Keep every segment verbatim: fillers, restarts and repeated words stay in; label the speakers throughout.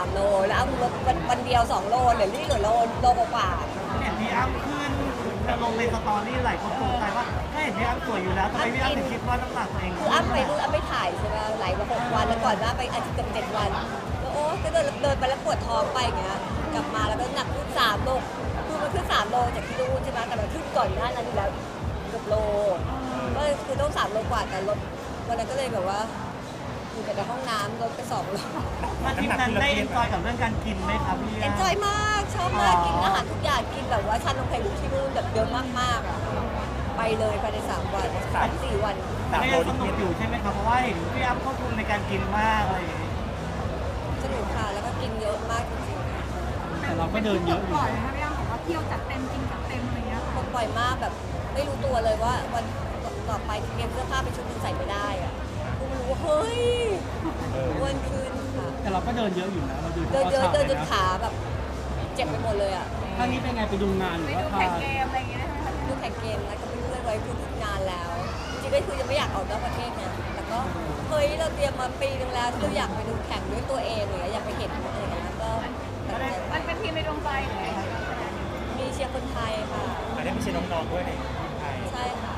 Speaker 1: ามโลแล้วอ้ำลดวันวันเดียวสองโลเหลือนี่เหลือโลโลกว่า
Speaker 2: เห็นพี่อ้ำขึ้นจะลงในสตอรี่หลายคนสงสัยว่าถ้าเห็นพี่อ้ำสวยอยู่แล้วทำไมพี่อ้ำถึงคิดว่าน้ำหนักตัวเอง
Speaker 1: คืออ้ำไปนู่นอ้ำไม่ถ่ายใช่ไหมไหลมาหกวันแล้วก่อนหน้าไปอาทิตย์กับเจ็ดวันแล้วโอ้ก็เดินเดินไปแล้วปวดท้องไปอย่างเงี้ยกลับมาแล้วก็หนักขึ้นสามโลคือมันขึ้นสามโลจากที่นู่นใช่ไหมแต่มันขึ้นก่อนหน้านั้นอยู่แล้วเกือบโลก็คือต้องสามโลกว่าแต่ลดวันนั้นก็เลยแบบว่าอยู่แต่ในห้องน้ำลดไปสองโล
Speaker 2: มาทริปนั้นได้เอนจอยกับเรื่องการกินไหมครับพี่
Speaker 1: เอนจอยมากชอบมากกินอาหารทุกอย่างกินแบบว่าชานมไข่มุกที่นู่นแบบเยอะมากๆอ่ะไปเลยภายในสามวันสามสี่วัน
Speaker 2: แต่ก็ยังสนุกอยู่ใช่ไหมครับเพราะว่าเห็นพี่อ้ำควบคุมในการกินมากอะไรอย่างเงี้ย
Speaker 1: สนุกค่ะแล้วก็กินเยอะมากจริงๆค่ะ
Speaker 3: แต่เราก็เดินเยอะอยู่
Speaker 4: บ่อยนะคะพี่อ้ำบอกว่าเที่ยวจัดเต็มกินจัดเต็มอะไรเงี้ย
Speaker 1: ปลดปล่อยมากแบบไม่รู้ตัวเลยว่าวันต่อไปเตรียมเสื้อผ้าไปชุดนึงใส่ไม่ได้อ่ะกูรู้ว่าเฮ้ยอ้วนขึ้นค่ะ
Speaker 3: แต่เราก็เดินเยอะอยู่นะเราเดิน
Speaker 1: เดินเยอะเดินจน
Speaker 3: นะ
Speaker 1: ขาแบบเจ็บไปหมดเลยอ่ะ
Speaker 3: ครั้งนี้เป็นไงไปดูงานห
Speaker 4: ไป
Speaker 3: รือว่า
Speaker 4: ดู
Speaker 3: พา
Speaker 4: แข่งเกมอะไรอย่างเงี้ยนะคะ
Speaker 1: ดูแข่งเกมแล้วก็ไปเรื่อยไว้คือฝึกงานแล้วจริงๆก็คือยังไม่อยากออกนอกประเทศนะแต่ก็เฮ้ยเราเตรียมมาปีนึงแล้วที่เราอยากไปดูแข่งด้วยตัวเองเลยอยากไปเห็นอะไรอย่างเงี้ยก็ตัดสินใจ
Speaker 4: มันเป็นทีมในดวงใจเลย
Speaker 1: มีเชียร์คนไทยค่ะ
Speaker 5: อันนี้ไม่ใช่น้องๆด้วยในไทย
Speaker 1: ใช่ค่ะ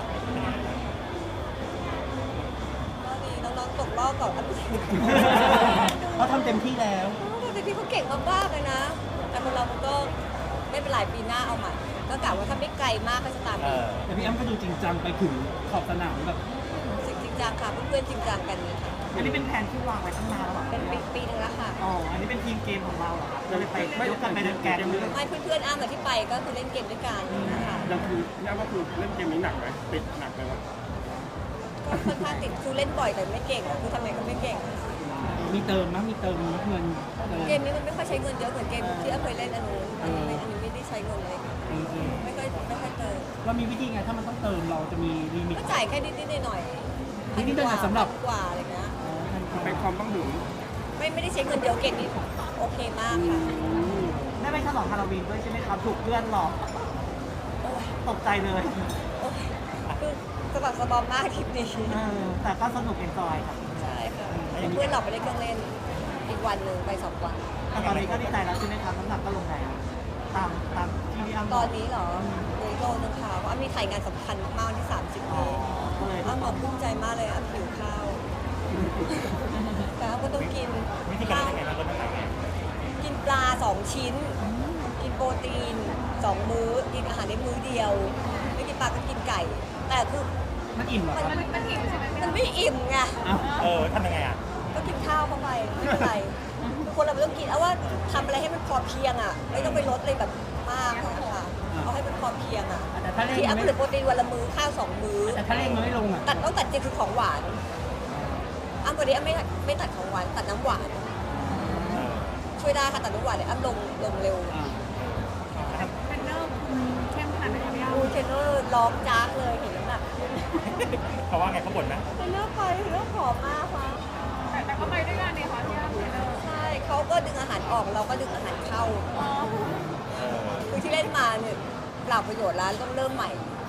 Speaker 1: ก็ดีน้องๆตกรอบก่อนอันดับ
Speaker 3: เขาทำเต็มที่แล้ว
Speaker 1: แต่พี่เขาเก่งมากๆเลยนะ แต่คนเรามันก็ไม่เป็นไรปีหน้าเอาใหม่ก็กะว่าถ้าไม่ไกลมากก็จะตาม
Speaker 5: เอ
Speaker 1: อีก
Speaker 5: อ
Speaker 3: แต่พี่อ้ำก็ดูจริงจังไปถึงขอบสนามแบบ
Speaker 1: จริงจังค่ะเพื่อนๆจริงจังกันค่ะ
Speaker 2: อันนี้เป็นแผนที่วางไว้ตั้งนานแล้วเหรอ
Speaker 1: เป็นปีปีนึงแล้วค่ะ
Speaker 2: อ๋ออันนี้เป็นทีมเกมของเราเหรอครับเราเลยไปยกกันไปเดินแกนด้วย
Speaker 1: ไม่เพื่อนๆอ้ามกับที่ไปก็คือเล่นเกมด้วยกันนะคะ
Speaker 6: ยังคือพี่อ้ำก็คือเล่นเกมนี้หนักไหมติดหนักไหมวะ
Speaker 1: ก็ค่อนข้างติดคือเล่นบ่อยแต่ไม่เก่งอะคือทำไมก็ไม่เก่ง
Speaker 3: มีเติมมั้ยมีเติมเงินเติม
Speaker 1: เกมนี้มันไม่ค่อยใช้เงินเยอะเหมือนเกมที่อ้าเคยเล่นอันนู้นอันนี้ไม่อันนี้ไม่ได้ใช้เงินเลย
Speaker 3: เออเออ
Speaker 1: ไม่ค่อยไม่ค่อยเติม
Speaker 3: เรามีวิธีไงถ้ามันต้องเติมเราจะมีลิมิต
Speaker 1: ก็จ่ายแค่นิดๆหน่อยๆ
Speaker 3: นิดๆหน่อยๆสำหรับ
Speaker 1: พันกว่าอะไรเงี้ย
Speaker 6: เป็นความต้องถึง
Speaker 1: ไม่ไม่ได้ใช้เงินเยอะเกมนี้โอเคมากค่ะ
Speaker 2: ได้ไปฉลองฮาโลวีนด้วยใช่ไหมครับถูกเพื่อนหลอก
Speaker 1: โอ้ย
Speaker 2: ตกใจเลย
Speaker 1: โอ้ยคือสะบักสะบอมมากทริปนี้
Speaker 2: เออแต่ก็สนุกเอนจอยครับ
Speaker 1: ใช่ค่ะเพื่อนหลอกไปเล่นเครื่องเล่นอีกวันหนึ่งไปสองวัน
Speaker 2: แต่ตอนนี้ก็ดีใจแล้วใช่ไหมครับน้ำหนักก็ลงแล้วตามตามที่พี่อ้ำบ
Speaker 1: ต
Speaker 2: อ
Speaker 1: อก นนี้เหรอเดโลนึงค่ะเพราะอ้ำมีถ่ายงานสำคัญมากวันที่สามสิบ
Speaker 2: อ๋อ
Speaker 1: นี้
Speaker 2: ก็เลย
Speaker 1: อ้ำบอกภูมิใจมากเลยอ้ำหิวข้าว แต่อ้ำก็ต้องกิน
Speaker 5: วิธีการยังไงบ้างลดน้ำหนักไง
Speaker 1: กินปลาสองชิ้น กินโปรตีนสองมื้อกินอาหารได้มื้อเดียว ไม่กินปลาก็กินไก่ แต่คือ
Speaker 3: มันอิ่มเหรอครับ
Speaker 1: มัน
Speaker 4: มันหิวใช่ไหมพี่
Speaker 1: มัน
Speaker 4: อ้ำ
Speaker 1: ไม่อิ่มไง
Speaker 3: อ้าว
Speaker 5: เออทำยังไงอ่ะ
Speaker 1: ก็กินข้าวเข้าไปไม่เป็นไรคือคนเราไม่ต้องกินเอาว่าทำอะไรให้มันพอเพียงอ่ะ ไม่ต้องไปลดเลยแบบมากอะค่ะเอาให้มันพอเพียงอ่ะ
Speaker 3: แต่ถ้าเร่ง
Speaker 1: ที่
Speaker 3: มั
Speaker 1: อ้ำ
Speaker 3: น
Speaker 1: ก็
Speaker 3: ไม่
Speaker 1: เหลือโปรตีนวันละมื้อข้าวสองมื้อ
Speaker 3: แต่ถ้าเร่งมันไม่ลงอ่ะ
Speaker 1: ตัดต้องตัดจริงคือของหวานอ้ำวันนี้อ้ำไม่ไม่ตัดของหวานตัดน้ำหวาน
Speaker 5: เออ
Speaker 1: ช่วยได้ค่ะตัดน้ำหวานเนี่ยอ้ำลงลงเร็ว
Speaker 3: อ่า
Speaker 4: เทรนเนอร์คุณเข้มขนาดไหนคะพี่อ้ำ
Speaker 1: ดูเทรนเนอร์ร้องจ้ากเลยเห็นน้ำหนักขึ้น
Speaker 5: เขาว่าไงเขาบ่นไหม
Speaker 1: เทรนเนอร์ไปเทรนเนอร์ผอมมากค่ะ
Speaker 4: แต่แต่ก็ไปด้วยกันเนี่ยค่ะพี่อ้ำเทรนเนอร์
Speaker 1: ใช่เขาก็ดึงอาหารออกเราก็ดึงอาหารเข้า
Speaker 4: อ๋อ
Speaker 5: เออ
Speaker 1: คือที่เล่นมาเนี่ยเปล่าประโยชน์แล้วต้องเริ่มใหม่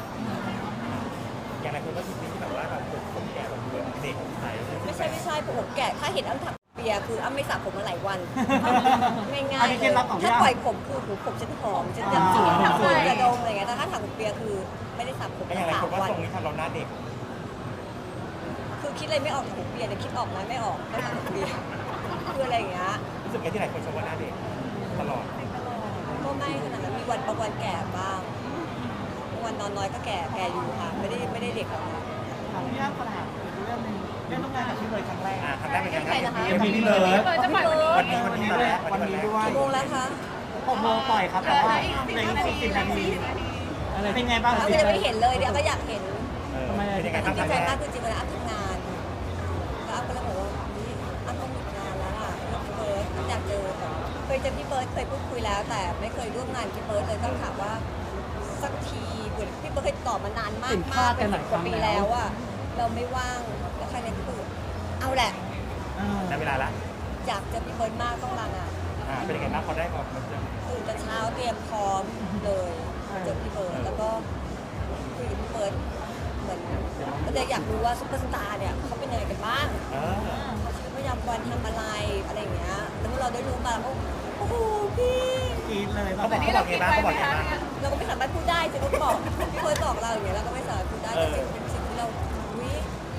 Speaker 5: อย่างไรคนก็คิดที่แบบว่าแบบผมผมแก่แบบเด็กใส
Speaker 1: ไม่ใช่ไม่ใช่ผมแก่ถ้าเห็นอ้ำถักเปียคืออ้ำไม่สระผมมาหลายวันง่าย
Speaker 2: อันนี้
Speaker 1: ๆ
Speaker 2: เคล็ดลับของพี่
Speaker 1: ถ้า
Speaker 2: อ้ำ
Speaker 1: ปล่อยผมคือหูผมฉันหอมฉันจะ
Speaker 2: อ่า
Speaker 1: สวยสวยกระดมอะไรเงี้ยแต่ถ้าถักผมเปียคือไม่ได้สระผม
Speaker 5: ก็อ
Speaker 1: มา
Speaker 5: ย่างไร
Speaker 1: สา
Speaker 5: ค
Speaker 1: ม
Speaker 5: นว่า
Speaker 1: วัน
Speaker 5: ทรงนี้ทำเราหน้าเด็ก
Speaker 1: คือคิดอะไรไม่ออกถักผมเปียแต่คิดออกไหมไม่ออกไม่ถักผมเปียคืออะไรอย่างเงี้ย
Speaker 5: รู้สึกไงที่หลายคนชมว่าหน้าเด็กตลอด
Speaker 1: ก็ไม่ขนาดนั้นมีวันบางวันแก่บ้างบางวันนอนน้อยก็แก่แก่อยู่ค่ะไม่ได้ไม่ได้เด็กหรอกค่ะ
Speaker 2: ของพี่อ้ำขนาดอีกเรื่องหนึงเรื่องต้องงานกับพี่เลยครั้งแรก
Speaker 5: อ่าทำได้เป็นยังไง
Speaker 1: ใครนะคะ
Speaker 3: เอ็มพีพี่เลิฟ
Speaker 4: เปิดจะปล่อยวันนี้
Speaker 5: วันนี้วันนี้วันแรก
Speaker 2: วันนี้ด้วย
Speaker 1: กี่โมงแล้วคะ
Speaker 2: หกโมงปล่อยครับแต่ว่าในอีกสิบนาที
Speaker 3: อะไร
Speaker 2: เป็นไงบ้าง
Speaker 1: เราก็ยังไม่เห็นเลยเดี๋ยวก็อยากเห็น
Speaker 5: เออเป็นยังไง
Speaker 1: อ้ำ
Speaker 5: บ้าง
Speaker 1: ดี
Speaker 5: ครั้ง
Speaker 1: ใจ
Speaker 5: แร
Speaker 1: มาก
Speaker 5: ก
Speaker 1: คือจริงๆเวลาอ้ำทำงานแล้วอ้ำก็เลยบอกว่านี่อ้ำต้องหยุดงานแล้วอ่ะเรื่องพี่เบิร์ดอ้ำอยากเจอแบบเคยเจอพี่เบิร์ดเคยพูดคุยแล้ว แต่ไม่เคยร่วมงานพี่เบิร์ดเลยต้องถามว่าสักทีเหมือนพี่เบิร์ดเคยตอบมานานมากมากเป็นสิบกว่าปีแล้วอ่ะเราไม่ว่างแล้วใครเนี่ยคือเอาแหละ
Speaker 5: ได้เวลาละ
Speaker 1: อยากเจอพี่เบิร์ดมากต้องลางาน
Speaker 5: อ่าเป็นยังไงบ้างพอได้ออกมาเจอ
Speaker 1: ตื่นแต่เช้าเตรียมพร้อมเลยเจอพี่เบิร์ดแล้วก็คุยกับพี่เบิร์ดเหมือนก็เลยอยากรู้ว่าซุปเปอร์สตาร์เนี่ยเขาเป็นยังไงกันบ้าง
Speaker 5: เออ
Speaker 1: เขาชีวิตประจำวันทำอะไรอะไรอย่างเงี้ยแล้ววกเราได้รู้มาแล้วก็โอ้โหพี่
Speaker 2: กรีดเลย
Speaker 5: เขาบอกเขาบอกไงบ้างเขาบอกไงบ้าง
Speaker 1: เราก็ไม่สามารถพูดได้จะต้องบอกพี่เฟิร์สบอกเราอย่างเงี้ยเราก็ไม่สามารถพูดได้แต่เป็นสิ่งที่เราวิ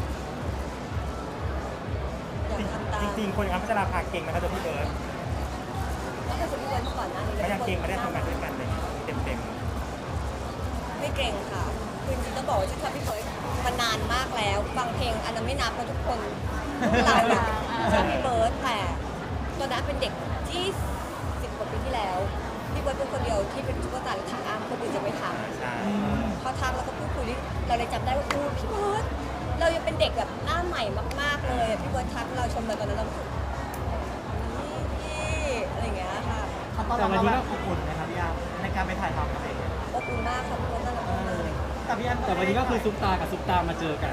Speaker 1: อยากทำตาม
Speaker 5: จริงๆคนอย่างนั้นพัชราภาเก่งนะครับตัวพี่เบิร์ด
Speaker 1: ก็เคยคนที่เฟิร์สมาก่อนหน้านี้
Speaker 5: ก็ยังเก่งไม่ได้ทำงานด้วยกันเลยเต็ม
Speaker 1: ไม่เก่งค่ะคือจริงๆต้องบอกว่าฉันชอบพี่เฟิร์สมานานมากแล้วฟังเพลงอันนั้นไม่นับนะทุกคนพวกเราเนี่ยชอบพี่เบิร์ดแต่ตอนนั้นเป็นเด็กที่สิบกว่าปีที่แล้วพี่เบิร์ดเป็นคนเดียวที่เป็นซุปเปอร์สตาร์และทำอ้ามคนอื่นจะไม่ท
Speaker 5: ๆใช่
Speaker 1: ำเขาทักแล้วก็พูดคุยนี่เราเลยจำได้ว่าอู้พี่เบิร์ดเรายังเป็นเด็กแบบหน้าใหม่มากๆเลยพี่เบิร์ดทักเราชมเราตอนนั้นเรารู้สึกนี่พี่อะไรอย่างเงี้ยค่ะ
Speaker 2: เขาตอนเราแบบอบอุ่นนะครับพี่ยาในการไปถ่ายทำกับเอง
Speaker 1: อบอุ่นมากค่ะพี่เบิร์ดน่ารักมากเลย
Speaker 2: แต่พี่ยา
Speaker 3: แต่วันนี้ก็คือซุปตากับซุปตามาเจอกัน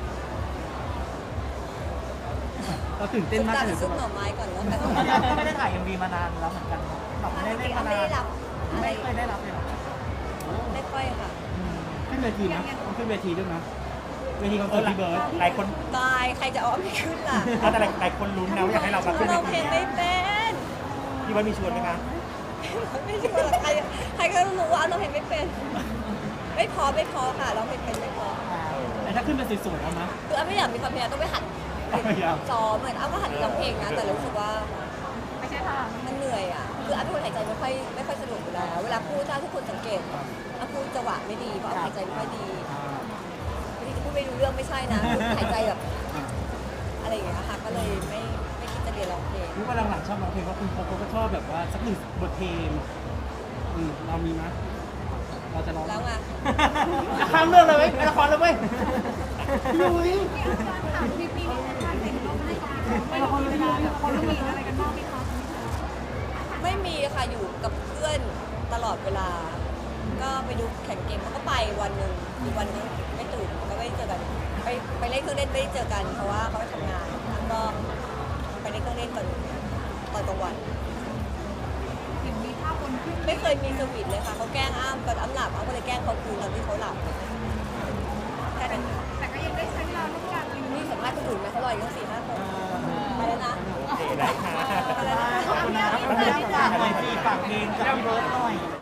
Speaker 3: เราตื่นเต้นมาก
Speaker 1: ซุปตา
Speaker 3: เล
Speaker 1: หรื
Speaker 3: ย
Speaker 1: อซุปหน่อไม้ก่อนแล้วแต่
Speaker 2: พี่ยาก็ไม่ได้ถ่ายเอ็มวีมานานแล้วเหมือนกันแบบไม่ได้เล่นมา
Speaker 1: ไม่
Speaker 2: นาน
Speaker 1: ได้รับอะไร
Speaker 2: ไม่เคยได้รับเลยหรอ
Speaker 1: ไม่ค่อยค่ะ
Speaker 3: ขึ้นเวทีนะต้องขึ้นเวทีด้วยนะเวทีคอนเสิร์ตพี่เบิร์ด
Speaker 5: หลายคน
Speaker 1: ตายใครจะเอาไม่ขึ้นล่ะ
Speaker 5: เอาแต่หลายคนลุ้นนะว่าอยากให้เรามาขึ้น
Speaker 1: เราเพลงไม่เป็น
Speaker 5: พี่เบิร์ดมีชวนไหมคะ
Speaker 1: ไม่ใช่ว่าใครใครก็รู้ว่าเราเพลงไม่เป็น ไม่พอไม่พอค่ะเราเพลงเป็นไม่พอ
Speaker 3: แต่ถ้าขึ้นเป็นสวยๆแล้วนะ
Speaker 1: คืออ้ำไม่อยากมีความพยายามต้องไปหัด
Speaker 3: ไม่อยาก
Speaker 1: ซ้อมเหมือนอ้ำก็หัดร้องเพลงนะแต่รู้สึกว่า
Speaker 4: ไม่ใช่ทาง
Speaker 1: มันเหนื่อยอ่ะคืออ้ำเป็นคนหายใจไม่ค่อยไม่ค่อยสะดวกอยู่แล้วเวลาพูดถ้าทุกคนสังเกตอ้ำพูดจังหวะไม่ดีเพราะอ้ำหายใจไม่ค่อยดีบางทีจะพูดไม่รู้เรื่องไม่ใช่นะคือหายใจแบบอะไรอย่างเงี้ยค่ะก็เลยไม่ไม่คิดจะเรียนร้องเพลง
Speaker 3: รู้ว่าหลังๆชอบร้องเพลงเพราะคุณโป๊ก็ชอบแบบว่าสักหนึ่งบทเพลงอืมเรามีไหมเราจะร้อง
Speaker 1: แล้วไง
Speaker 3: ข้ามเรื่องเลยเว้ยละครเลยเว้ยยุ้ย
Speaker 4: ถามพี่ปีนี้ท่านเห็นต้องให้ไม่ต้องมีเวลาแบบคนมีอะไรกันบ้างไหมคะ
Speaker 1: ไม่มีค่ะอยู่กับเพื่อนตลอดเวลา ก็ไปดูแข่งเกมเขาก็ไปวันหนึ่งอีกวันนึงไม่ตื่นก็ไม่ได้เจอกันไปไปเล่นเครื่องเล่นไม่ได้เจอกันเพราะว่าเขาไปทำงานแล้วก็ไปเล่นเครื่องเล่นก่อนตอนกลางวัน
Speaker 4: เห็นมีภาพบนขึ้น
Speaker 1: ไม่เคยมีสวีทเลยค่ะเขาแกล้งอ้ามตอนอ้ำหลับอ้ำก็เลยแกล้งเขาคืนตอนที่เขาหลับแค่นั้นค่ะ
Speaker 4: แต่ก็ยังได้ใช้เวลาร่วมกัน
Speaker 1: นี่สัมภาษณ์คนอื่นไหมเขารออยู่ตั้งสี่ห้าคนไปแล้วนะ
Speaker 5: โอเคได้ค่ะ
Speaker 1: ไปแล้วนะ
Speaker 2: ขอบคุณนะฝากหน่อยสิฝากเพลงกับพี่เบิร์ดหน่อย